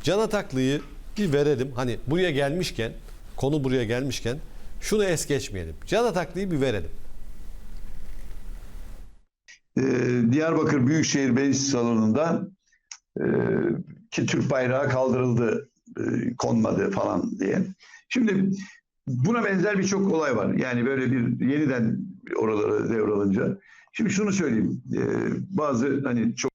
Can Ataklı'yı bir verelim. Hani buraya gelmişken, konu buraya gelmişken şunu es geçmeyelim. Can Ataklı'yı bir verelim. Diyarbakır Büyükşehir Meclis Salonu'nda ki Türk bayrağı kaldırıldı, konmadı falan diye. Şimdi buna benzer birçok olay var. Yani böyle bir yeniden oralara devralınca. Şimdi şunu söyleyeyim. Bazı hani çok...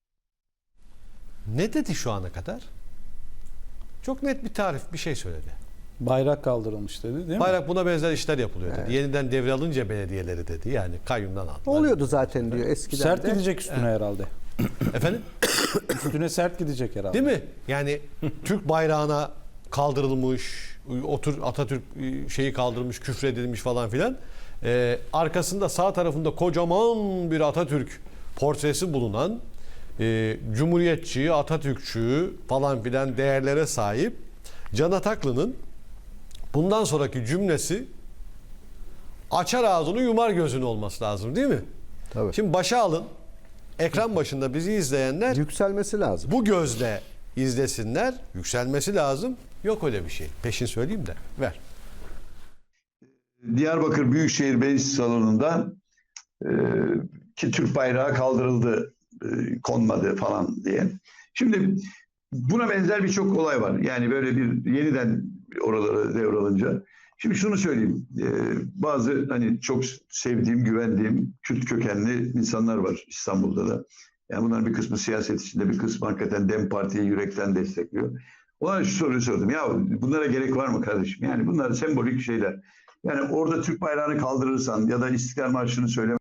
Ne dedi şu ana kadar? Çok net bir tarif, bir şey söyledi. Bayrak kaldırılmış dedi değil mi? Bayrak buna benzer işler yapılıyor dedi. Evet. Yeniden devralınca belediyeleri dedi. Yani kayyumdan aldılar. Oluyordu zaten diyor eskiden Sert de. gidecek üstüne herhalde. Efendim? Üstüne sert gidecek herhalde. Değil mi? Yani Türk bayrağına kaldırılmış, Atatürk şeyi kaldırılmış, küfredilmiş falan filan. Arkasında sağ tarafında kocaman bir Atatürk portresi bulunan Cumhuriyetçi, Atatürkçü falan filan değerlere sahip Can Ataklı'nın bundan sonraki cümlesi açar ağzını yumar gözünü olması lazım değil mi? Tabii. Şimdi başa alın. Ekran başında bizi izleyenler Yükselmesi lazım. bu gözle izlesinler. Yükselmesi lazım. Yok öyle bir şey. Peşin söyleyeyim de. Ver. Diyarbakır Büyükşehir Meclis Salonu'nda ki Türk bayrağı kaldırıldı, konmadı falan diye. Şimdi buna benzer birçok olay var. Yani böyle bir yeniden oralara devralınca. Şimdi şunu söyleyeyim. Bazı hani çok sevdiğim, güvendiğim Kürt kökenli insanlar var İstanbul'da da. Yani bunların bir kısmı siyaset içinde, bir kısmı hakikaten DEM Parti'yi yürekten destekliyor. Ona şu soruyu sordum. Ya bunlara gerek var mı kardeşim? Yani bunlar sembolik şeyler. Yani orada Türk bayrağını kaldırırsan ya da İstiklal Marşı'nı söyleme.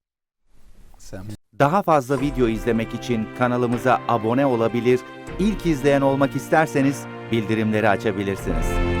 Daha fazla video izlemek için kanalımıza abone olabilir, ilk izleyen olmak isterseniz bildirimleri açabilirsiniz.